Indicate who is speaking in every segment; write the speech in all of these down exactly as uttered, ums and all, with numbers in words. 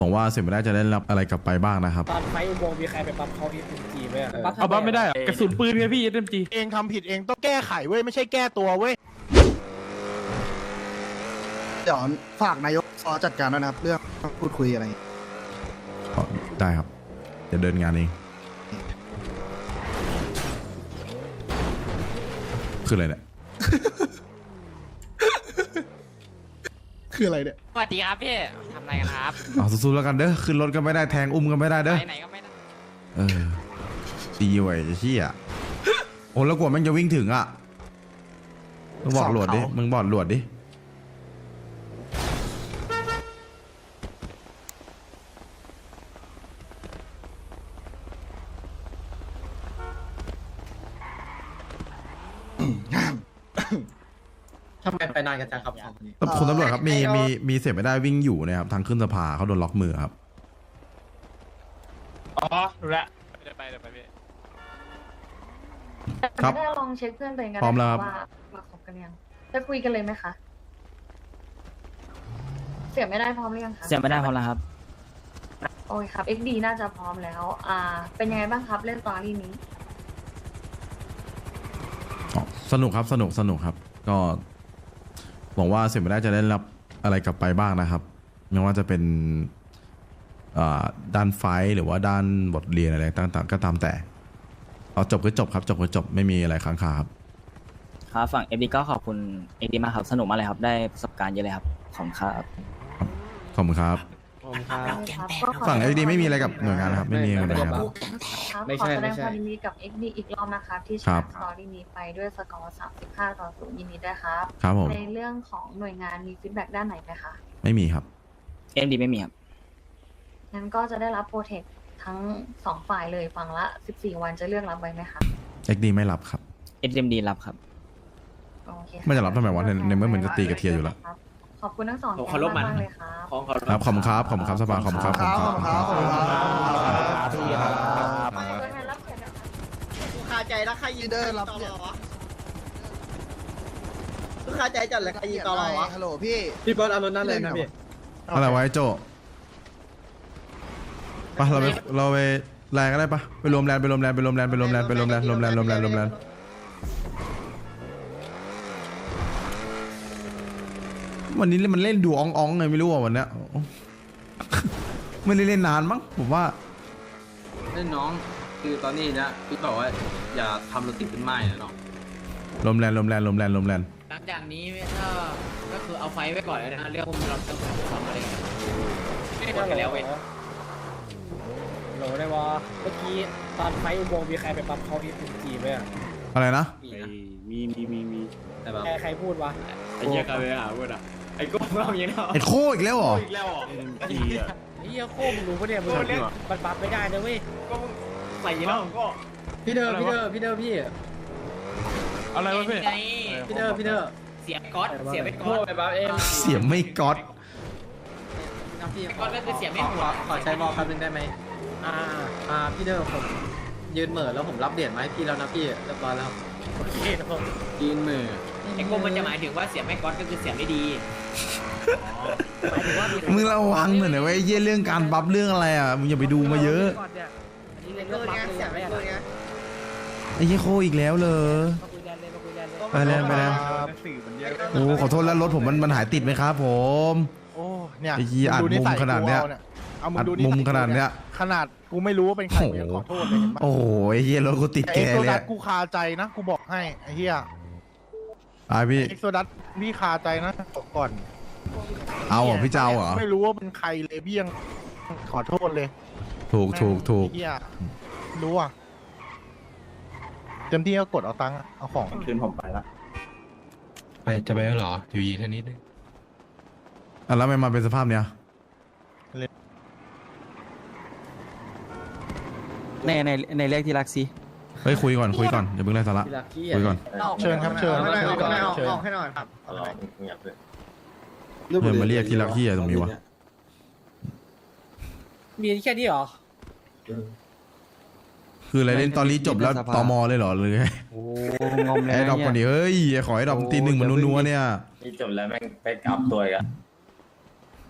Speaker 1: ผมว่าเสียไม่ได้จะได้รับอะไรกลับไปบ้างนะครับ
Speaker 2: ตอนไฟอุโมงค์มีใครไปปั๊มเขาเอสเอ็มจีไหมอะ
Speaker 3: เอาบ้าไม่ได้อะกระสุนปืนไงพี่เอ็มจี
Speaker 4: เองทำผิดเองต้องแก้ไขเว้ยไม่ใช่แก้ตัวเว้ย
Speaker 5: เดี๋ยวฝากนายกซอจัดการด้วยนะครับ เรื่องพูดคุยอะไร
Speaker 1: ได้ครับจะเดินงานเองคืออะไรเนี่ย
Speaker 5: คืออะไรเนี่ย
Speaker 6: สวัสดีครับพี่ทำอะไรกันครับ
Speaker 1: เอาสู้ๆแล้วกันเด้อขึ้นรถก็ไม่ได้แทงอุ้มก็ไม่ได้เด้อ
Speaker 6: ไปไหนก็ไม่ได้
Speaker 1: เออดีไว้เชี่ยโอ้แล้วกว่ามันจะวิ่งถึงอ่ะมึงบอกหลวดดิมึงบอกหลวดดิ
Speaker 2: ทำไมไปนานกันจังครับสองคนนี้
Speaker 1: คุณตำรวจครับมีมีมีเสียไม่ได้วิ่งอยู่นะครับทางขึ้นสภาเขาโดนล็อกมือครับ
Speaker 3: อ๋อรู้ละเดี๋ยวไปเดี๋ยวไปพี่
Speaker 1: ครับ
Speaker 7: ไม่ได้ลองเช็คเพื่อนตัวเองกัน
Speaker 1: พร้อมแล้วครับ
Speaker 7: ว่ามาคบกันยังจะคุยกันเลยไหมคะ เสียไม่ได้พร้อมหรือยังคะ
Speaker 6: เสียไม่ได้พอแล้วครับ
Speaker 7: โอ้ยครับ เอ็กซ์ ดี น่าจะพร้อมแล้ว อ่า เป็นยังไงบ้างครับเล่นตอรี่นี้
Speaker 1: อ๋อสนุกครับสนุกสนุกครับ ก็หวังว่าเสียไม่ได้จะได้รับอะไรกลับไปบ้างนะครับไม่ว่าจะเป็นอ่าด้านไฟท์หรือว่าด้านบทเรียนอะไรต่างๆก็ตามแต่เอาจบก็จบครับจบก็จบไม่มีอะไรค้างคาครับ
Speaker 6: ครับฝั่งเอฟดีก็ขอบคุณเอฟดีมากครับสนุกมากเลยครับได้ประสบการณ์เยอะเลยครับขอบคุณครับ
Speaker 1: ขอบคุณครับ
Speaker 7: ครับก็ขอ
Speaker 1: ฝั่ง เอ็ก ดี ไม่มีอะไรกับหน่วยงานนะครับไม่มีอะไรกับหน่วยงานครับ
Speaker 7: ครับ
Speaker 2: ไม่
Speaker 7: ขอ
Speaker 2: ใช่
Speaker 7: แสด
Speaker 2: ไม่
Speaker 7: งค
Speaker 2: ใช่
Speaker 7: วามยินดีกับ เอ็กซ์ ดี อีกรอบนะคะที่ช
Speaker 1: ครั
Speaker 7: นะ
Speaker 1: บ
Speaker 7: สตอรี่นี้ไปด้วยสกอร์สามสิบห้าต่อศูนย์ยินดีด้วยครับ
Speaker 1: ครับผม
Speaker 7: ในเรื่องของหน่วยงานมีฟีดแบ็กด้านไหนไหมคะ
Speaker 1: ไม่มีครับ
Speaker 6: เอ็มดีไม่มีครับ
Speaker 7: งั้นก็จะได้รับโปรเทคทั้งสองฝ่ายเลยฝั่งละสิบสี่วันจะเลือกรับไว้ไหมคะ
Speaker 1: เอ็ก ดี ไม่รับครับ
Speaker 6: เอ็มดีรับครับ
Speaker 7: โอเคค
Speaker 1: ไม่จะรับทำไมวะในในเมื่อเหมือนจะตีกับเทียอยู่แล้ว
Speaker 7: ครับขอบคุณทั้งสอง
Speaker 2: ผม
Speaker 7: แก
Speaker 2: เคารพ
Speaker 7: ง
Speaker 2: มัน
Speaker 7: มากๆเลยครับ
Speaker 2: ของเขา
Speaker 1: ครับขอบคุณครับขอบคุณครับสภาขอบคุณครับขอบคุณครับ
Speaker 5: ขอบคุณครับ
Speaker 2: พี่ครับ
Speaker 7: ตัวแทนรับเกียรตินะคะ
Speaker 8: กูคาใจแล้วใครยืน
Speaker 5: เดิน
Speaker 8: ต
Speaker 5: รับ
Speaker 8: ล
Speaker 5: เนี่ย
Speaker 8: อวะกูคาใจจัดเลยใครยืนตลอวะ
Speaker 5: ฮัลโหลพี่
Speaker 2: พี่บอลเอารถนั่นเลยนะพี่
Speaker 1: อะไรไวะไอ้โจไปเราไปเราไปแรงก็ได้ปะไปรวมแรงไปรวมแรงไปรวมแรงไปรวมแรงไปรวมแรงรวมแรงรวมแรงรวมแรงวันนี้มันเล่นดูอ่องๆไงไม่รู้อ่ะวันเนี้ยไม่ได้เล่นนานมั้งผมว่า
Speaker 9: เล่นน้องคือตอนนี้นะพี่บอกว่าอย่าทำรถติดเป็นไม้นะน้อง
Speaker 1: ลมแรงลมแรงลมแรงลมแรง
Speaker 6: หลังจากนี้ถ้าก็คือเอาไฟไว้ก่อนเลยนะเรื่องพวกเราต้องทำอะไรกันไม่ได้กันแล้วเว้ย
Speaker 2: โหลได้วะเมื่อกี้ตอนไฟอุโมงค์มีใครไปปั๊มเขาเอสเอ็มจีไหมอะ
Speaker 1: อะไรนะ
Speaker 9: มีมีมีมีแต่แบบ
Speaker 2: ใครใครพูดวะ
Speaker 9: ไอ้เหี้ยกันเลยอ่ะพูดอ่ะไอ้ก้มเราอย่างนี้เนาะ
Speaker 1: ไอ้โคอีกแล้วเหรอ
Speaker 9: อีกแล้วอ่ะจีอ่ะ
Speaker 2: ไอ้เหี้ยโคมงรู้ปะเนี่ยมึงมันปั๊มไม่ได้นะเว้ย
Speaker 9: ก็ใส่แล้วก็
Speaker 2: พี่เดอร์พี่เดอร์พี่เดอร์พี่
Speaker 3: อะไรวะพี่
Speaker 2: พี่เดอร์พี่เดอร์
Speaker 6: เสียก๊อตเสียไป
Speaker 2: โค
Speaker 6: ก๊อต
Speaker 2: ไปปั๊มเอง
Speaker 1: เสียงไม่ก๊อต
Speaker 6: ก๊อตก็คือเสียไม่หัว
Speaker 8: ขอใช้บอลแป๊บนึงได้ไหม
Speaker 2: อ่า
Speaker 8: อ่าพี่เดอร์ผมยืนเหม่อแล้วผมรับเหรียญมาให้พี่แล้วนะพี่เรียบร้อยแล้วครับ
Speaker 2: โอเคครับผม
Speaker 9: จีนมือ
Speaker 6: ไอ้โกมันจะหมายถึงว่าเสียไม่ก๊อตก็คือเสียไม่ดี
Speaker 2: หมายถึงว่า
Speaker 1: มึงระวังหน่อยนะเว้ยเยี่ยเรื่องการบัฟเรื่องอะไรอ่ะมึงอย่าไปดูมาเยอะ
Speaker 2: ก่นนี่อันนี้เรื่อง
Speaker 8: เกิน
Speaker 2: ปั๊ม
Speaker 8: ไง
Speaker 2: เลย
Speaker 8: เสีย
Speaker 2: ไม่
Speaker 8: ไม่
Speaker 2: ได้
Speaker 8: เกินไง
Speaker 1: ไอ้เหี้ยโคอีกแล้วเลย
Speaker 2: มาคุยแลนเลยมาคุยแลนเลย
Speaker 1: ไปแล้วไปแล้ว
Speaker 3: สื่อมันเยอะ
Speaker 1: โอ้ขอโทษแล้วรถผมมันมันหายติดไหมครับผม
Speaker 4: โอ้เนี่ย
Speaker 1: ไอ้เหี้ยอัดมุมขนาดเนี้ย
Speaker 4: เอามึ
Speaker 1: อั
Speaker 4: ง
Speaker 1: ด
Speaker 4: ดู
Speaker 1: มุมขนาดเนี้ย
Speaker 4: ขนาดกูไม่รู้ว่าเป็นใครกูยังขอโทษเลยเห็นปะ
Speaker 1: โอ้โหไอ้เหี้ยรถกูติด
Speaker 4: ไอ้
Speaker 1: แก
Speaker 4: เอ็กโซ
Speaker 1: เลย
Speaker 4: ดั
Speaker 1: อะ
Speaker 4: สกูคาใจนะกูบอกให้ไอ้เหี้ย
Speaker 1: ไอพี่
Speaker 4: เอ็กโซดัสพี่คาใจนะบอกก่อน
Speaker 1: เอาเหรอพี่เจ้าเหรอ
Speaker 4: ไม่รู้ว่าเป็นใครเลยพี่ยังขอโทษเลย
Speaker 1: ถูกถูกถูก
Speaker 4: ไอ้เหี้ยรู้อ่ะเต็มที่ก็กดเอาตังค์อะเอาของ
Speaker 9: คืนผมไปละ
Speaker 3: ไปจะไปแล้วเหรออยู่ยีแค่นี้นึง
Speaker 1: อ่ะแล้วทำไมมาเป็นสภาพเนี้ย
Speaker 6: ในในในเลขที่รักซี
Speaker 1: เฮ้ยคุยก่อนคุยก่อนอย่าเพิ่งไล่สาระคุยก่อน
Speaker 4: เชิญครับเชิญ
Speaker 8: ไม่ได้
Speaker 4: คุยก่อน
Speaker 8: ไม่ออก
Speaker 4: เชิญ
Speaker 8: ออกให้หน่อยครับ
Speaker 1: เออมาเรียกที่รักที่อะไรตรงนี้วะ
Speaker 2: มีแค่นี้เหรอ
Speaker 1: คืออะไรเล่นตอนนี้จบแล้วตมเลยเหรอหรือไง
Speaker 6: โอ้งมเลย
Speaker 1: ไอ้ดอกคนนี้เฮ้ยขอให้ดอกตีหนึ่งมันนัวๆเนี่ย
Speaker 9: นี่จบแล้วแม่งไปกลับตัวอีกอ่ะ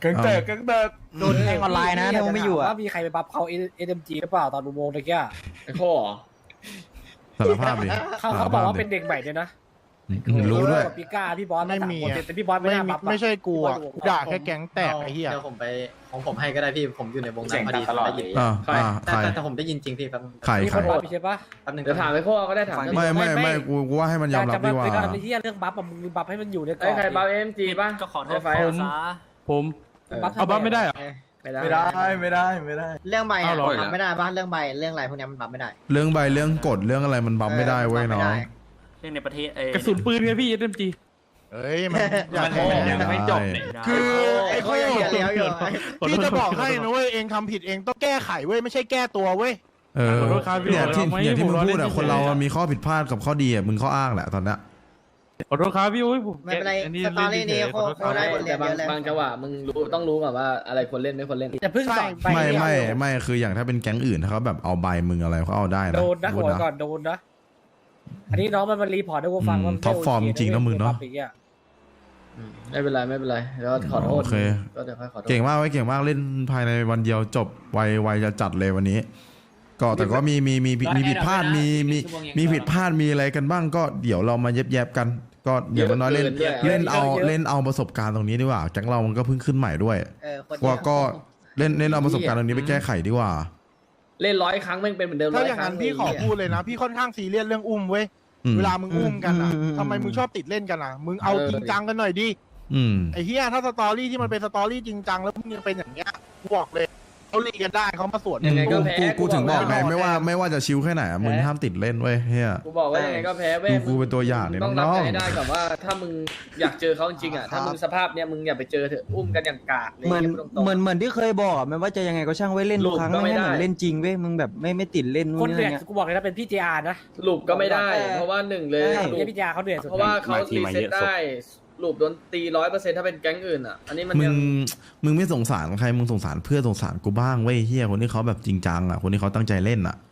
Speaker 3: เกิงเตอร์เกิงเตอร์
Speaker 2: โดนแทงออนไลน์นะถ้ามึงไม่อยู่อ่ะว่ามีใครไปบัฟเขาเอ็มจีหรือเปล่าตอนอุโมงค์ตะกี้
Speaker 8: ไอ้ข้อ
Speaker 1: สารภาพดิ
Speaker 2: เขาเขาบอกว่าเป็นเด็กใหม่ด้วยนะ
Speaker 1: อืมรู้ด้วย
Speaker 2: กับพี่ก้าพี่บอส
Speaker 4: ไม่มี
Speaker 2: สาคนแต่พี่บอสไม่
Speaker 4: ไม่
Speaker 2: ได้
Speaker 4: มี
Speaker 2: บัฟอะ
Speaker 4: ไม่ใช่กูอ่ะ
Speaker 2: พี่บอส
Speaker 4: กูด่าแค่แก๊งแตกไอ้เหี้ย
Speaker 8: เดี๋ยวผมไปของผมให้ก็ได้พี่ผมอยู่ในวงนั้นพอดีได้ยิน
Speaker 1: อ่าอ่า
Speaker 8: แต่
Speaker 1: ใคร
Speaker 8: แต่แต่ผมได้ยินจริงพี่แป๊บนึง
Speaker 1: ใคร
Speaker 2: มี
Speaker 1: ใค
Speaker 2: ค
Speaker 1: ร
Speaker 2: นบัฟใช่ปะ
Speaker 8: แป๊บนึง
Speaker 9: เดี๋ยวถามไอ้ข้อก็ได้ถาม
Speaker 1: ไม่ไม่ไม่กูกูว่าให้มันยอมรับดีกว่า
Speaker 2: จะมาที่เรื่องบัฟอะมึงมีบัฟให้มันอยู่ในกร
Speaker 9: ไอ้
Speaker 2: อบ
Speaker 9: ใครบัฟเอ็มจีป่ะ
Speaker 3: ก็ขอโทษ
Speaker 9: ไฟ
Speaker 3: ผมผม
Speaker 2: บัฟ
Speaker 3: เอาบัฟไม่ได้เหรอ
Speaker 9: ไม่ได้
Speaker 3: ไม่ได้ไม่ได้ไม่ได้
Speaker 8: เรื่องใบ
Speaker 3: เอา
Speaker 8: อะ
Speaker 3: เหรอ
Speaker 8: บัฟไม่ได้ป่ะเรื่องใบเรื่องอะไรพวกนี้มันบัฟไม่ได้
Speaker 1: เรื่องใบเรื่องกฎเรื่องอะไรมันบัฟไม่ได้เว้ยน้อง
Speaker 3: เรื่องในประเทศกระสุนปืนไงพี่ เอ็ม จี
Speaker 4: เอ้ยมันอยาก
Speaker 3: มัน
Speaker 4: แพ้
Speaker 3: ยังไม่จบ
Speaker 4: คือไอ้
Speaker 8: เขา
Speaker 4: ข้อ
Speaker 8: ยังเลี้ยวอยู่
Speaker 4: พี่จะบอกให้นะเว้ยเองทำผิดเองต้องแก้ไขเว้ยไม่ใช่แก้ตัวเว้ย
Speaker 1: เออ
Speaker 3: ขอโทษครับพี่
Speaker 1: เนี่ยที่
Speaker 3: ผมไม่
Speaker 1: เนี่ยที่มึง
Speaker 3: ผมล้อ
Speaker 1: พูด
Speaker 3: เล่
Speaker 1: อะ
Speaker 3: น
Speaker 1: คนเรา
Speaker 3: เฉยๆ
Speaker 1: อะมีข้อผิดพลาดกับข้อดีอะมึงข้ออ้างแหละตอนเนี้ย
Speaker 3: ขอโทษครับพี่โอ้ยผม
Speaker 8: ไม่เป็นไร
Speaker 3: อั
Speaker 8: สตอรี่นี้
Speaker 3: เล่
Speaker 8: โค
Speaker 3: เฉยๆขอโทษ
Speaker 8: โค
Speaker 3: ครับ
Speaker 8: ได้บทเรีย
Speaker 9: แต่
Speaker 8: น
Speaker 9: บาง
Speaker 8: เยอะเลย
Speaker 9: บางจังหวะมึงรู้ต้องรู้ก่อนว่าอะไรควรเล่นไม่ควรเล่น
Speaker 2: แต่เพิ่งสอนไป
Speaker 1: ไม่
Speaker 2: เดียว
Speaker 1: ไม่ไม่คืออย่างถ้าเป็นแก๊งอื่นถ้าเขาแบบเอาใบมึงอะไรเขาเอาได้นะ
Speaker 2: โดนนะ
Speaker 1: พูด
Speaker 2: หัวก่อนโดนนะ อันนี้น้องมันมารีพอร์ตให้กูฟังว่า
Speaker 1: อืมท็อปฟอร์มจริงๆนะมึงเนอะ
Speaker 9: ไม่เป็นไรไม่เป็นไรแล้วขอโทษ
Speaker 1: โอเค
Speaker 9: ก็เดี๋ยวค่อยขอโทษ
Speaker 1: เก่งมากไว้ยเก่งมากเล่นภายในวันเดียวจบไวไวจะจัดเลยวันนี้ ก็แต่ก็มีมีมีมีผิดพลาดมีมีมีผิดพลาดมีอะไรกันบ้างก็เดี๋ยวเรามาเย็บแยบๆกัน ก็อย่างน้อยๆเล่นเล่นเอาเล่นเอาประสบการณ์ตรงนี้ดีกว่าแก๊งเรามันก็เพิ่งขึ้นใหม่ด้วย
Speaker 8: เออคน
Speaker 1: ว่าก็เล่นเล่นเอาประสบการณ์ตรงนี้ไปแก้ไขดีกว่า
Speaker 9: เล่นร้อยครั้งแม่งเป็นเหมือนเดิม
Speaker 4: ถ้า
Speaker 9: ร้
Speaker 4: อย่าง
Speaker 9: ครั้
Speaker 4: นั้นพี่ขอพูดเลยนะ พี่ค่อนข้างซีเรียสเรื่องอุ้มเว้ย
Speaker 1: อืม
Speaker 4: เวลามึงอุ้มกันอ่ะทำไมมึงชอบติดเล่นกันอ่ะ มึงเอาจริงจังกันหน่อยดิ
Speaker 1: อืม
Speaker 4: ไอ้เฮียถ้าสตอรี่ที่มันเป็นสตอรี่จริงจังแล้วมึงยังเป็นอย่างเงี้ยกูบอกเลยเขาลีกันได้เขามาสวน
Speaker 9: ยังไงก็
Speaker 1: กู
Speaker 9: แพ้
Speaker 1: กูกูถึงบอกไง
Speaker 4: กูบอก
Speaker 1: ไม่ว่าไม่ว่าจะชิวแค่ไหนอะมึงห้ามติดเล่นเว้ยเฮีย
Speaker 9: กูบอกว่ายังไงก็แพ้เว้ย
Speaker 1: ดูกูเป็นตัวอย่างเนี่ย
Speaker 9: ต้องรับ
Speaker 1: น้องๆ
Speaker 9: ให้ได้ก่อนว่าถ้ามึงอยากเจอเขาจริงๆอ่ะถ้ามึงสภาพเนี้ยมึงอย่าไปเจอเถอะอุ้มกันอย่างกากเลย
Speaker 10: เหมือน
Speaker 9: พูดตรงๆ
Speaker 10: เหมือนเหมือนที่เคยบอกอะไม่ว่าจะยังไงก็ช่างไว้เล่น
Speaker 9: หลุ
Speaker 10: ทุก
Speaker 9: ด
Speaker 10: ครั้ง
Speaker 9: ก็ไม่
Speaker 10: ไม่ให้เหมือ
Speaker 9: ได้
Speaker 10: นเล่นจริงเว้ยมึงแบบไม่ไม่ติดเล่นนู่
Speaker 2: คน
Speaker 10: นนี่
Speaker 2: เดือด
Speaker 10: เงี้ย
Speaker 2: กูบอกเลยนะเป็นพี่เจอาร์นะ
Speaker 9: หลุบก็ไม่ได้
Speaker 10: เออ
Speaker 9: เพราะว่าหนึ่งเลย
Speaker 10: ใช่
Speaker 9: หลุ
Speaker 2: เนี่ย
Speaker 9: บ
Speaker 2: พี่เจอาร์เขาเดือดสุด
Speaker 9: เพราะว่าเขา
Speaker 3: มาที
Speaker 9: รี
Speaker 3: มา
Speaker 9: เซ็
Speaker 3: เย
Speaker 9: ต
Speaker 3: อะสุด
Speaker 9: ได้หลุบโดนตีร้อยเปอร์เซ็นต์ถ้าเป็นแก๊งอื่นอ่ะ อันนี้มัน
Speaker 1: มึ
Speaker 9: ยัง ง
Speaker 1: มึงไม่สงสารใครมึงสงสารเพื่อนสงสารกูบ้างเว้ยเฮียคนที่เขาแบบจริงจังอ่ะคนที่เขาตั้งใจเล่นอ่ะ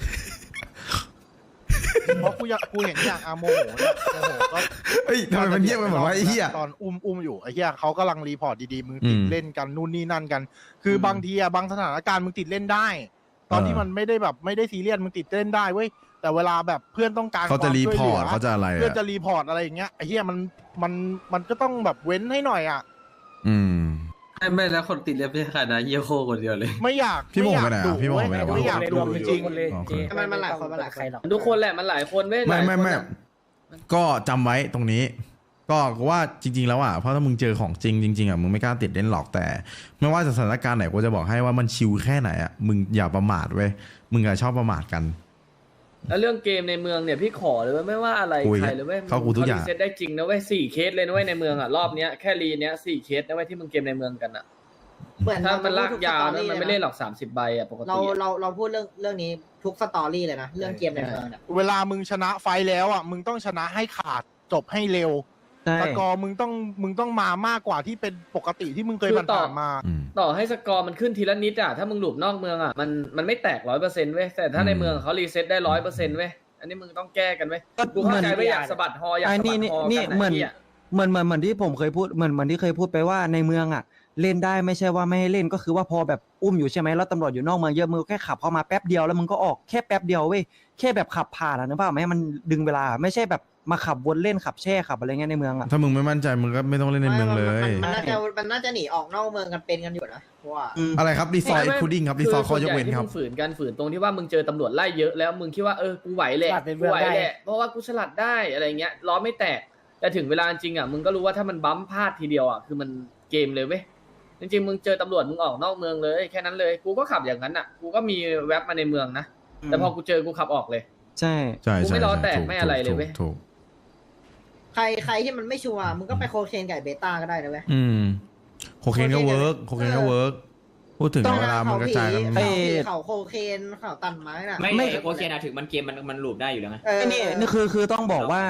Speaker 4: เพราะกูอยากกูเห็นอย่างอาโมโหเนี่ยโมโหก็
Speaker 1: เฮ้ยทำไมมันเงียบไปหมดวะไอ้เฮีย
Speaker 4: ตอนอุ้มอุ้มอยู่ไอ้เหี้ยเขากำลังรีพอร์ตดีๆมึงติด
Speaker 1: อืม
Speaker 4: เล่นกันนู่นนี่นั่นกัน คืออบางทีอะบางสถานการณ์มึงติดเล่นได้ ตอนที่
Speaker 1: เออ
Speaker 4: มันไม่ได้แบบไม่ได้ซีเรียสมึงติดเล่นได้เว้ยแต่เวลาแบบเพื่อนต้องการ
Speaker 1: เขาจะ
Speaker 4: ควม
Speaker 1: รี
Speaker 4: ช่วย
Speaker 1: พ
Speaker 4: ห
Speaker 1: อ
Speaker 4: ลื
Speaker 1: ร์ตเขาจะอะไร
Speaker 4: เพื่อน
Speaker 1: อ่ะ
Speaker 4: จะรีพอร์ตอะไรอย่างเงี้ยไอ้เหี้ยมันมันมันก็ต้องแบบเว้นให้หน่อยอ่ะ
Speaker 1: อืม
Speaker 9: ไม่ไม่แล้วคนติดเล็บไม่ใช่ใครนะเยี่ยโคคนเดียวเลย
Speaker 4: ไม่อยาก
Speaker 1: พี่โมง
Speaker 4: อยาก
Speaker 1: ไปไหนอะ
Speaker 4: ดุ
Speaker 1: พี่โมง
Speaker 4: เว้ย
Speaker 1: ไปไหนวะ
Speaker 4: ไม่อยากดุจริง
Speaker 2: คนเลย
Speaker 1: โอเค
Speaker 2: เจ
Speaker 8: มันมันหลายคนมันหลายคน
Speaker 2: ใครหรอก
Speaker 9: ทุกคนแหละมันหลายคนเว้ย
Speaker 1: ไม่
Speaker 9: หลาย
Speaker 1: ไม่
Speaker 9: คน
Speaker 1: ไม่
Speaker 9: อะ
Speaker 1: ก็จำไว้ตรงนี้ ก็ว่าจริง ๆ แล้วอ่ะเพราะถ้ามึงเจอของจริงจริงๆอ่ะมึงไม่กล้าติดเล่นหรอกแต่ ไม่ว่าจะสถานการณ์ไหนกูจะบอกให้ว่ามันชิลแค่ไหนอ่ะมึงอย่าประมาทเว้ยมึงอย่าชอบประมาทกัน
Speaker 9: แล้วเรื่องเกมในเมืองเนี่ยพี่ขอเลยเว้ยไม่ว่าอะไร
Speaker 1: คุย
Speaker 9: ใครเลยเว้ย
Speaker 1: เข้ากูทุกอย่าง
Speaker 9: รีเซ็ตได้จริงนะเว้ยสี่เคสเลยนะเว้ยในเมืองอ่ะรอบเนี้ยแค่รีเนี้ยสี่เคสนะเว้ยที่มึงเกมในเมืองกันอ่ะ
Speaker 8: เหมือน
Speaker 9: ถ้ามันลาก
Speaker 8: ทุ
Speaker 9: ยาว
Speaker 8: สตอ
Speaker 9: นะ
Speaker 8: รี่
Speaker 9: มันไม่เล่นหรอกสามสิบใบอ่ะปกติ
Speaker 8: เรา
Speaker 9: อะ
Speaker 8: เราเราพูดเรื่องเรื่องนี้ทุกสตอรี่เลยนะเรื่องเกมในเมืองเนี่ย
Speaker 4: เวลามึงชนะไฟท์แล้วอ่ะมึงต้องชนะให้ขาดจบให้เร็ว
Speaker 10: ใช่
Speaker 4: ตะกอร์มึงต้องมึงต้องมามากกว่าที่เป็นปกติที่มึงเคยผ่านๆมา
Speaker 1: อืม
Speaker 9: ต่อให้สกอร์มันขึ้นทีละนิดอ่ะถ้ามึงหลุดนอกเมืองอ่ะมันมันไม่แตกร้อยเปอร์เซ็นต์เว้ยแต่ถ้าใน
Speaker 1: อืม
Speaker 9: เมืองเขารีเซ็ตได้ร้อยเปอร์เซ็นต์เว้ยอันนี้มึงต้องแก้กันเว้ย
Speaker 10: ก็
Speaker 9: กู
Speaker 10: เหมื
Speaker 9: เข้า
Speaker 10: อน
Speaker 9: ใจว่าอยากสะบัดฮออยาก
Speaker 10: ไอ้
Speaker 9: สะบั
Speaker 10: นี่
Speaker 9: ด
Speaker 10: นี่
Speaker 9: ฮอ
Speaker 10: นี่
Speaker 9: กัน
Speaker 10: เหมือน
Speaker 9: ไอ้เหี้ย
Speaker 10: เหมือนเหมือนเหมือนที่ผมเคยพูดเหมือนเหมือนที่เคยพูดไปว่าในเมืองอ่ะ เล่นได้ไม่ใช่ว่าไม่ให้เล่นก็คือว่าพอแบบอุ้มอยู่ใช่ไหมแล้วตำรวจอยู่นอกเมืองเยอะมึงแค่ขับเข้ามาแป๊บเดียวแล้วมึงก็ออกแค่แป๊บเดียวเว้ยแค่แบบขับผ่านอะนึกภาพไหมให้มันดึงเวลาไม่ใช่แบบมาขับวนเล่นขับแช่ขับอะไรเงี้ยในเมืองอ่ะ
Speaker 1: ถ้ามึงไม่มั่นใจมึงก็ไม่ต้องเล่นในเมืองเลย
Speaker 8: มันน่าจะมันน่าจะหนีออกนอกเมืองกันเป็นกันอยู่นะเพราะว่า
Speaker 1: อะไรครับรีซอย
Speaker 9: ไม่ไม่
Speaker 1: พุดดิ้งครับรีซอยข้อยกเว้นครับ
Speaker 9: อส่ใหญ่ที่มึงฝืนกันฝืนตรงที่ว่ามึงเจอตำรวจไล่เยอะแล้วมึงคิดว่าเออกูไหวแหละ
Speaker 2: สลัดในเมื
Speaker 9: กู
Speaker 2: อง
Speaker 9: ไหว
Speaker 2: ได้
Speaker 9: แหละเพราะว่ากูสลัดได้อะไรเงี้ยล้อไม่แตกแต่ถึงเวลาจริงอ่ะมึงก็รู้ว่าถ้ามันบั๊มพลาดทีเดียวอ่ะคือมันเกมเลยเว้ยจริงๆมึงเจอตำรวจมึงออกนอกเมืองเลยแค่นั้นเลยกูก็ขับอย่างนั้นอ่ะกูก็มีแว็บมาในเมืองนะแต่พอกูเจอกูขับออกเลย
Speaker 10: ใช่
Speaker 1: ใช่
Speaker 9: กู
Speaker 1: ใช่
Speaker 9: ไม่ล้อแตก
Speaker 1: ถู
Speaker 9: ไม่อะไรเลยเว้ย
Speaker 1: ถูก
Speaker 8: ใครใครที่มันไม่ชัวร์มึงก็ไปโคเคนไก่เบต้าก็ได้นะเว้ย
Speaker 1: อืมโคเคนก็เวิร์กโคเคนก็เวิร์กพูดถึงเวลามันกระจายกัน
Speaker 8: เขาผีเขาโคเคนเขาตันไม้น่ะ
Speaker 6: ไม่ไม่โอเคนะถึงมันเกมมันมันหลูบได้อยู่แล้วไง
Speaker 8: เออ
Speaker 10: ไอ้นี่นี่คือคือต้องบอกว่า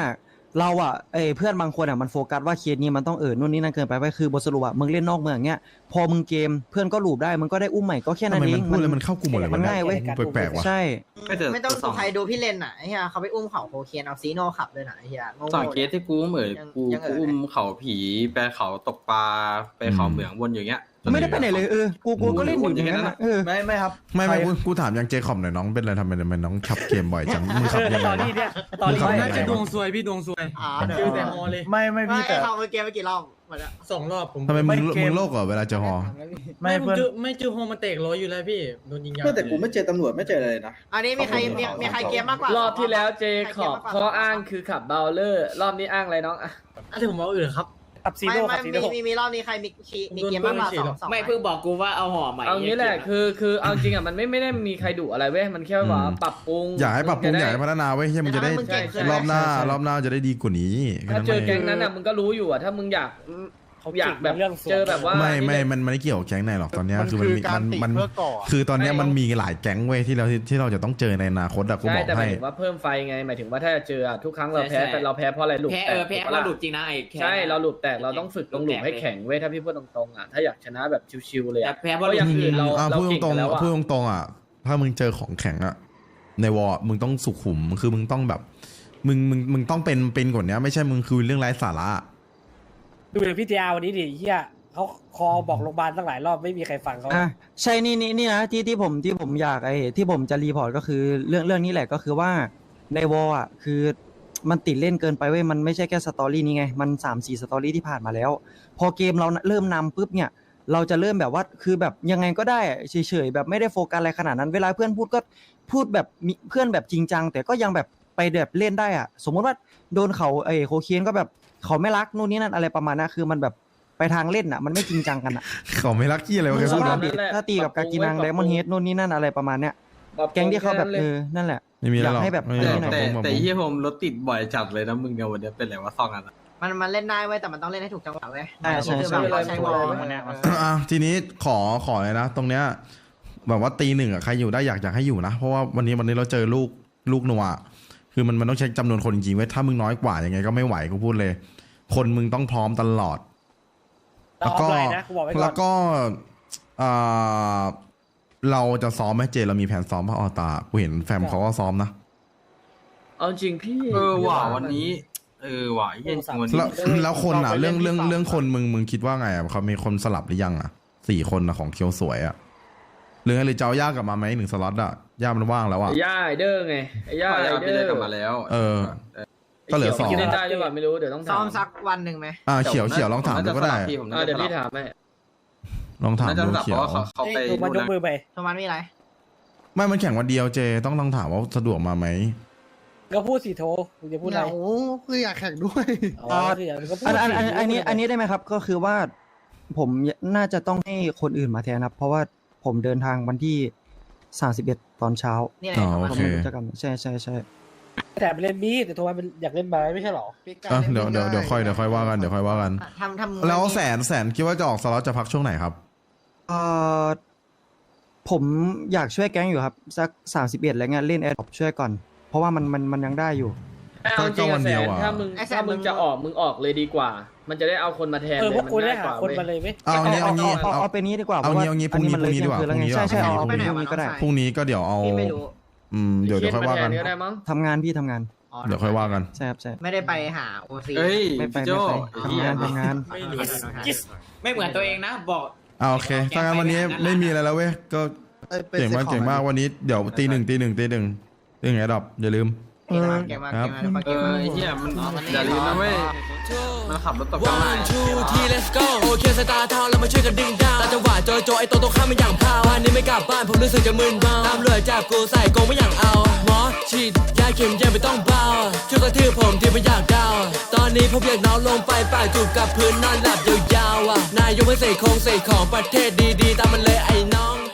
Speaker 10: เราอ่ะเอ้ยเพื่อนบางคนอ่ะมันโฟกัสว่าเคสนี้มันต้องเออนู่นนี่นั่นเกินไปไปคือบทสรุปอ่ะมึงเล่นนอกเมืองอย่างเงี้ยพอมึงเกมเพื่อนก็หลูบได้มึงก็ได้อุ้มใหม่ก็แค่
Speaker 1: ทำ
Speaker 10: นั้น
Speaker 1: ไม
Speaker 10: เอ
Speaker 1: มั
Speaker 10: ง
Speaker 1: นพูดแล้วมันเข้ากลุ่มหมดเลย
Speaker 10: มันง่ายเว้ย
Speaker 1: แปลกๆว่ะ
Speaker 10: ใช่
Speaker 8: ไม่ต้องสงสัยดูพี่เลนอ่ะไอ้เหี้ยเขาไปอุ้มเขาโคเคนเอาซีโน่ขับด้วยนะไอ้เหี้ยโง่ๆ
Speaker 11: สองเคสที่กูเหมือนกู
Speaker 8: ยังเออ
Speaker 11: กูอุ้มเขาผีไปเขาตกปลาไปเขาเหมืองวนอย่างเงี้ย
Speaker 10: ไม่ได้ไปไหนเลยเออกูกูก็เล่นอยู่อย่างนั้นอะเออ
Speaker 3: ไม่ไม่ครับ
Speaker 1: ไม่ไม่กูกูถามยังเจคอบหน่อยน้องเป็นอะไรทำไมทำไมน้องขับเกมบ่อยจังมึงขับยังไง
Speaker 2: ตอนนี้
Speaker 1: วะ
Speaker 2: เนี่ยตอนนี้
Speaker 1: มึงขับ
Speaker 2: ไม่
Speaker 1: ยังไง
Speaker 2: จะดวง
Speaker 1: วะ
Speaker 3: ซวยพี่ดวงซวย
Speaker 8: อ่า
Speaker 3: คิวแต่ฮอเลย ไม่ไม่
Speaker 8: ไม่
Speaker 3: พี่แต่
Speaker 8: เขาไปเกมไปกี่รอบมาแล้ว
Speaker 3: สองรอบผม
Speaker 1: ทำไมมึง
Speaker 3: เก
Speaker 1: มึงโลกเหรอเวลาเจอฮอ
Speaker 3: ไม่เพื่อนไม่เจอฮอมาเตะร้อยอยู่แล้วพี่โดนยิงยาง
Speaker 11: แต่กูไม่เจอตำรวจไม่เจออะไรนะ
Speaker 8: อันนี้มีใครมีมีใครเกมมากกว่าร
Speaker 9: อบที่แล้วเจขอบข้ออ้างคือขับเบลเลอร์ รอบนี้อ้างอะไรน้องอะ
Speaker 3: อะไรผมเอาอื่นครับ
Speaker 2: ขับซี
Speaker 8: ไม่
Speaker 2: โร่
Speaker 8: ไม่
Speaker 2: ขับซี
Speaker 8: มี
Speaker 2: โร่
Speaker 8: มีมีรอบนี้ใครมีคีมีเกมมากกว่าสองสอง
Speaker 6: ไม่เพิ่งบอกกูว่าเอาห่อใหม่
Speaker 9: เอางี้แหละคือคือเอาจริงอ่ะมันไม่ไม่ได้มีใครดุอะไรเว้ยมันแค่ว่าปรับปรุง
Speaker 1: อยากให้ปรับปรุงอยากให้พัฒนาไว้เฮียมันจะได้
Speaker 9: ใช่ใช่
Speaker 1: รอบหน้ารอบหน้าจะได้ดีกว่านี้
Speaker 9: ถ้าเจอแก๊งนั้นอ่ะมึงก็รู้อยู่อ่ะถ้ามึงอยากอยากแบบเจอแบบว่า
Speaker 1: ไม่ไม่มันมันไม่เกี่ยวกับแก๊งไหนหรอกตอนเนี้ย
Speaker 4: มัน
Speaker 1: คือ
Speaker 4: คื
Speaker 1: มัน
Speaker 4: อ
Speaker 1: มี
Speaker 4: การ
Speaker 1: มัน
Speaker 4: ติ
Speaker 1: มัน
Speaker 4: เพื่อก่อ
Speaker 1: คือตอนเนี้ยมันมีหลายแก๊งเว้ยที่เราที่เราจะต้องเจอในอนาคตอะกูบ
Speaker 9: ใช่
Speaker 1: อก
Speaker 9: แต่หมา
Speaker 1: ให้
Speaker 9: ยถึงว่าเพิ่มไฟไงหมายถึงว่าถ้าจะเจออะทุกครั้งเราแพ้แต่เราแพ้เพราะอะไรหลุด
Speaker 6: แพ้
Speaker 9: แต
Speaker 6: เอก อแพ้
Speaker 9: ถูกปะ
Speaker 6: เรา
Speaker 9: ล่ะ
Speaker 6: หลุดจริงนะไอ้แค่
Speaker 9: ใช่เราหลุดแตกเราต้องฝึกตรงหลุมให้แข็งเว้ยถ้าพี่พูดตรงๆอ่ะถ้าอยากชนะแบบชิวๆเลย
Speaker 6: แต่
Speaker 9: อ่ะ
Speaker 6: แพ้เพ
Speaker 9: เพ
Speaker 6: ราะ
Speaker 9: ราะอย่างอื่นเรา
Speaker 1: อ่ะ
Speaker 9: เรา
Speaker 1: พูด
Speaker 9: เก่ง
Speaker 1: ตรง
Speaker 9: กันแล้ว
Speaker 1: ๆ
Speaker 9: อ่ะ
Speaker 1: พูดตรงๆอ่ะถ้ามึงเจอของแข็งอ่ะในวอร์มึงต้องสุขุมคือมึงต้องแบบมึงมึงมึงต้องเป็นเป็นกว่านี้ไม่ใช่มึงคือเรื่องไร้สาระ
Speaker 2: ดูอย่างพี่เจ้าวันนี้ดิเฮียเขาคอบอกโรงพยาบาลตั้งหลายรอบไม่มีใครฟังเขา
Speaker 10: อ่ะใช่นี่นี่นี่นะที่ที่ผมที่ผมอยากไอ้ที่ผมจะรีพอร์ตก็คือเรื่องเรื่องนี้แหละก็คือว่าในวอลอ่ะคือมันติดเล่นเกินไปเว้ยมันไม่ใช่แค่สตอรี่นี้ไงมันสามสี่สตอรี่ที่ผ่านมาแล้ว พอเกมเราเริ่มนำปุ๊บเนี่ยเราจะเริ่มแบบว่าคือแบบยังไงก็ได้เฉยๆแบบไม่ได้โฟกัสอะไรขนาดนั้นเวลาเพื่อนพูดก็พูดแบบมีเพื่อนแบบจริงจังแต่ก็ยังแบบไปแบบเล่นได้อ่ะสมมติว่าโดนเขาไอ้โคเคนก็แบบเขาไม่รักนู่นนี่นั่นอะไรประมาณนั้นคือมันแบบไปทางเล่นอ่ะมันไม่จริงจังกันอ่ะ
Speaker 1: เขาไม่รักกี้อะไรวะแก
Speaker 10: ส
Speaker 1: พูด
Speaker 10: ภา
Speaker 1: นะ
Speaker 10: พดิถ้าตีกับกากินังไดมอนด์เฮดนู่นนี่นั่นอะไรประมาณเนี้ยแก๊งที่เขาแบบเออนั่นแหละ
Speaker 1: ไม่มีอะไรหรอก
Speaker 10: อยากให้แบบ
Speaker 1: ไม่มีอะไรหรอก
Speaker 11: แต่
Speaker 1: ผมผม
Speaker 11: แต่ยี่ผมรถติดบ่อยจัดเลยนะมึงเนี่ยวันนี้เป็นไรวะซองอัน
Speaker 8: มันมันเล่นได้เว้ยแต่มันต้องเล่นให้ถูกจังหวะเว้ย
Speaker 10: ใช่ใช่
Speaker 8: คือ
Speaker 10: ใช่
Speaker 8: แบบเราใช้วอล
Speaker 1: อ่ะทีนี้ขอขอเลยนะ ตรงเนี้ยแบบว่าตีหนึ่งอ่ะใครอยู่ได้อยากอยากให้อยู่นะเพราะว่าวันนี้วันนี้เราเจอลูกลูกนัวคือมันมันต้องใช้จำนวนคนจริงๆไว้ยถ้ามึงน้อยกว่ายังไงก็ไม่ไหวกูพูดเลย คนมึงต้องพร้อมตลอด แล้วก็
Speaker 2: เอาเลยนะกูบอกไว้ก่อน
Speaker 1: แล้วก็อ่าเราจะซ้อมไหมเจเรามีแผนซ้อมป่ะออตากูเห็นแฟมเขาก็ซ้อมนะ
Speaker 9: เอาจริงพี่
Speaker 11: เออว่ะวันนี้ เออว่ะเย็นวัน
Speaker 1: แล้
Speaker 11: นี้
Speaker 1: วแล้วคนอ่ะเรื่องเรื่องเรื่องคนมึงมึงคิดว่าไงอ่ะเขามีคนสลับหรือยังอ่ะสี่คนอ่ะของเคียวสวยอ่ะหรือหรือจะเอาย่ากลับมาไหมหนึ่งสล็อตอ่ะย่ามันว่างแล้วอ่ะ
Speaker 9: ไอ้ย่าไอเดอร์ไงไอ้ย่าไอ
Speaker 11: เอา
Speaker 9: เด
Speaker 11: ไป
Speaker 9: อ
Speaker 11: ได้
Speaker 9: ร์
Speaker 11: กลับมาแล้ว
Speaker 1: เออ ก็เหลือสอง
Speaker 9: คิดเล่นได้หรือเปล่าไม่รู้เดี๋ยวต้อง
Speaker 8: ซ้
Speaker 9: ถา
Speaker 8: อ
Speaker 9: ม
Speaker 8: มสักวันหนึ่งไหม
Speaker 1: อ่าเขียวเขียวลองถามดูก็ได้
Speaker 11: ผม
Speaker 9: อ่า
Speaker 11: น่า
Speaker 9: เดี๋
Speaker 11: จะ
Speaker 9: ยวพี่ถามให้
Speaker 1: ลองถาม
Speaker 11: น่าจะ
Speaker 1: ดู
Speaker 11: สลับ
Speaker 1: เขี
Speaker 11: เพ
Speaker 1: ยว
Speaker 11: ราะว่าเขาเขาไป
Speaker 2: เอ้ยมันยกมือไป
Speaker 8: โทมันมีอะไร
Speaker 1: ไม่มันแข่งวันเดียวเจต้องต้องถามว่าสะดวกมาไหม
Speaker 2: ก็พูดสิโทมึงจะพูดอะไร
Speaker 4: โอ้คืออยากแข่งด้วย
Speaker 2: อ๋อคืออย่างนั้นก็พูด
Speaker 10: อันอัน
Speaker 2: สิ
Speaker 10: อันอันนี้อันนี้ได้ไหมครับก็คือว่าผมน่าจะต้องให้คนอื่นมาแทนครับ เพราะว่าผมเดินทางวันที่สามสิบเอ็ดตอนเช้า
Speaker 8: นี่ไง
Speaker 1: อ๋อ
Speaker 8: โท
Speaker 1: โอ
Speaker 8: มัน
Speaker 1: เค
Speaker 10: ผมไม่รู้จะกันใช่ใช่ใช่
Speaker 2: แต่ไปเล่นมีดแต่โทมันเป็นอยากเล่นไม้ไม่ใช่หรอ
Speaker 1: อ่ะเดี๋ยวเดี๋ยวเดี๋ยวค่อยเดี๋ยวค่อยว่ากันเดี๋ยวค่อยว่ากัน
Speaker 8: ทำทำ
Speaker 1: แล้วแสนแสนคิดว่าจะออกสล็อตจะพักช่วงไหนครับ
Speaker 10: เอ่อผมอยากช่วยแก๊งอยู่ครับสักสามสิบเอ็ดอะไรเงี้ยเล่นแอร์ดรอปช่วยก่อน เพราะว่ามันมันมันยังได้อยู่
Speaker 9: เอาจริง
Speaker 1: ก็วั
Speaker 9: อะ
Speaker 1: น
Speaker 9: แส
Speaker 1: เดียวน อะ
Speaker 9: ถ้ามึงถ้ามึงจะออกมึงออกเลยดีกว่า มันจะได้เอาคนมาแทน
Speaker 2: เออ
Speaker 9: เลย
Speaker 2: พวก
Speaker 9: มัน
Speaker 2: กูได้
Speaker 9: ง่ายก
Speaker 2: หา
Speaker 9: ว่า
Speaker 2: คน
Speaker 9: เว้ย
Speaker 2: มาเลยไหม
Speaker 1: เอางี้เอางี้
Speaker 10: เอา
Speaker 1: เอา
Speaker 10: เอาเป็นนี้ดีกว่า
Speaker 1: เอางี้เอางี้พรุ่งนี้
Speaker 10: อั
Speaker 1: พรุ่งนี้ดีกว่า
Speaker 10: เที่ยงคืนแล้วไง
Speaker 1: พรุ่งนี้
Speaker 10: ใช่ใช่
Speaker 1: ดีกว่า
Speaker 10: เอา
Speaker 1: พรุ่งนี้
Speaker 10: พรุ่งนี้ก็ได้
Speaker 1: พรุ่งนี้ก็เดี๋ยวเอา
Speaker 8: พี่ไม่รู้
Speaker 1: อืมเดี๋ยวเดี๋ยวค่อยว่ากัน
Speaker 9: เขีนมแทก็ได้มั้ง
Speaker 10: ทำงานพี่ทำงาน
Speaker 8: อ๋อ
Speaker 1: เดี๋ยวค่อยว่ากัน
Speaker 10: ใช่ครับใช่
Speaker 8: ไม่ได้ไปหาโอซี
Speaker 11: เฮ้ย
Speaker 10: ไม่ไป
Speaker 11: พี่โจ
Speaker 10: ไม่ไปทำงานทำงาน
Speaker 3: ไม่รู้
Speaker 6: ไม่เหมือนตัวเองนะบอก
Speaker 1: อ่าโอเคถ้างั้นวันนี้ไม่มีอะไรแล้วเว้ยก็เก่งมากเก่งมากวันนี้เดี๋ยวตีหนึ่งตีหนึ่งตีหนึ่งตีหนึ่งไอ้ดอกอย่าลืม
Speaker 8: เกมมาเกมมาเกมมา
Speaker 11: เออไอ้เหี้ยมันอย่าลืมนะเว้ยมันขับรถตกกันมา
Speaker 12: one two three let's go โอเคสตาร์ทาวน์เรามาช่วยกันดึงดาวตาจังหวะโจโจไอโตโตข้ามไม่อย่างพาววันนี้ไม่กลับบ้านผมรู้สึกจะมึนเมาตามเรือจับกูใส่กรงไม่อย่างเอาหมอฉีดยาเข็มยังไม่ต้องเบาช่วยกระทืบผมที่ไม่อยากดาวตอนนี้ผมอยากนอนลงไปปากจูบกับพื้นนอนหลับยาวๆอ่ะนายยกไม่เสกคงเสกของประเทศดีๆตามมันเลยไอ้น้อง